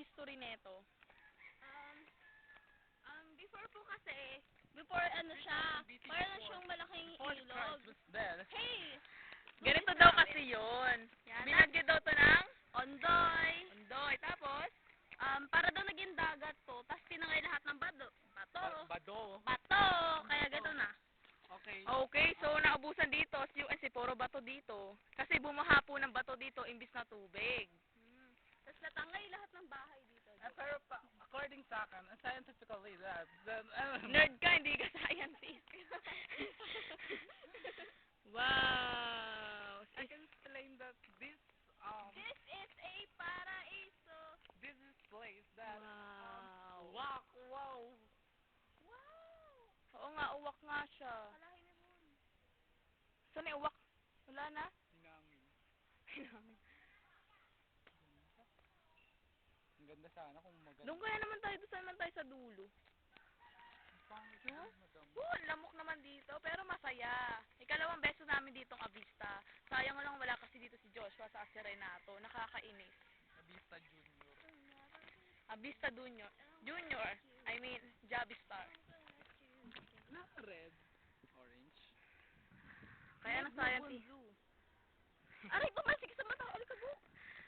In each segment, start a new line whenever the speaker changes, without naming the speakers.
history neto?
Before po kasi, before ano siya, parang siyang malaking ilog. Hey!
Ganito daw kasi yun.
Yan,
Binagyo daw to ng
Ondoy.
Ondoy. Tapos,
Para daw naging dagat to, tapos tinangay lahat ng bato.
Bado.
Bato! Kaya gano'n na.
Okay.
okay, so naubusan dito, si puro bato dito. Kasi bumaha po ng bato dito imbis na tubig.
Tapos natangay lahat ng bahay dito.
Pero according sa akin, scientifically,
Nerd ka, hindi ka scientist. Wow!
I can explain that
This is a paraiso.
this is place that
Wow!
wow.
Wow!
Oo nga, uwak nga siya.
Kalahin ni Bun.
Saan yung uwak? Wala na?
Hinangin. Ang ganda sana kung maganda.
Doon kaya naman tayo, doon naman tayo sa dulo.
Pangit
No?
yun, madam.
Lamok naman dito, pero masaya. Ikalawang beso namin ditong Avista. Sayang lang wala kasi dito si Joshua sa Serenato. Nakakainis.
Nabista Junior.
Avista Junior. Junior. I mean, Javistar.
Na red. Orange.
Kaya na scientist.
Aray, pumasik sa mata. Alikabok.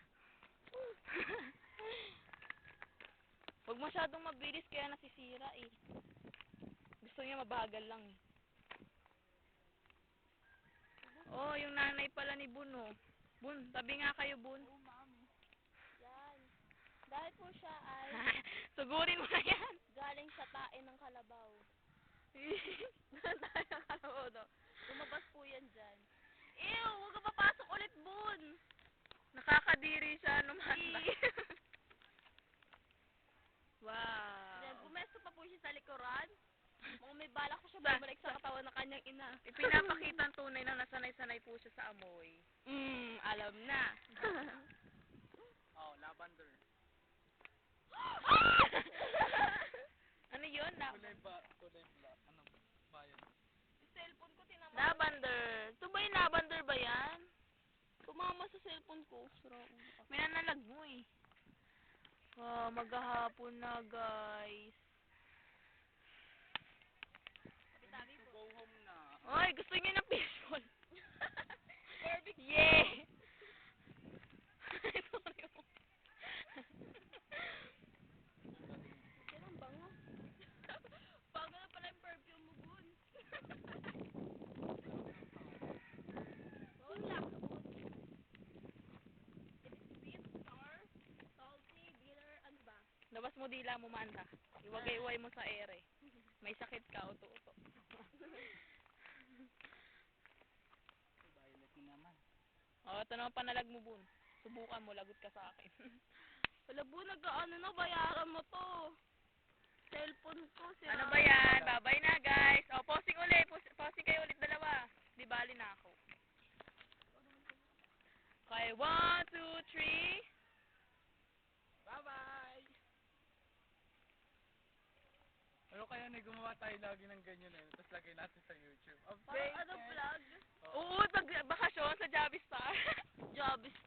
Huwag masyadong mabilis kaya nasisira eh. Gusto niya mabagal lang eh. Oh, yung nanay pala ni Bun oh. Bun, tabi nga kayo Bun.
Oh, mami.
Yan. Dahil po siya ay
Sugurin mo na yan.
galing sa tae ng kalabaw.
Doon tayo nakalabaw do.
Lumabas po yan dyan. Ew! Huwag ka papasok ulit, Bun!
Nakakadiri siya numanda. Wow.
Then, bumesto pa po siya sa likuran. Mukhang may balak pa siya
Sa-
bumalik sa katawan ng kanyang ina.
Ipinapakita ang tunay na nasanay-sanay po siya sa amoy.
Alam na.
Oh, lavender.
Ano yun?
Kulay black. Ano? Bayan.
Cellphone ko tinama.
Lavender. Ito ba yung lavender ba yan?
Tumama sa cellphone ko.
May nanalag mo eh. Maghahapon na guys.
Tabi
To
po.
go home na.
Oy, gusto niyo ng peaceful?
Barbecue.
Yeah! Sorry po.
Kailan bango? Bago na pala yung perfume mo, Bun. Wala ka, Bun. It is sweet, sour, salty, bitter, ano ba?
Labas mo dila mo manda. Iwagay-iway mo sa ere. May sakit ka, uto-uto.
Violet mo naman.
Ito naman panalag mo, Bun. Subukan mo, lagot ka sa akin.
Wala, Bun, nagkaano na, bayaran mo to. Cellphone ko, sira.
Ano ba yan? Babay na, guys. Posing ulit. Posing kayo ulit dalawa. Di bali na ako. Okay, 1, 2, 3.
Bye-bye! Ano kaya na gumawa tayo lagi ng ganyan eh. Tapos lagay natin sa YouTube.
Parang ano vlog?
Oo, pag bakasyon sa Javistar.
Jobs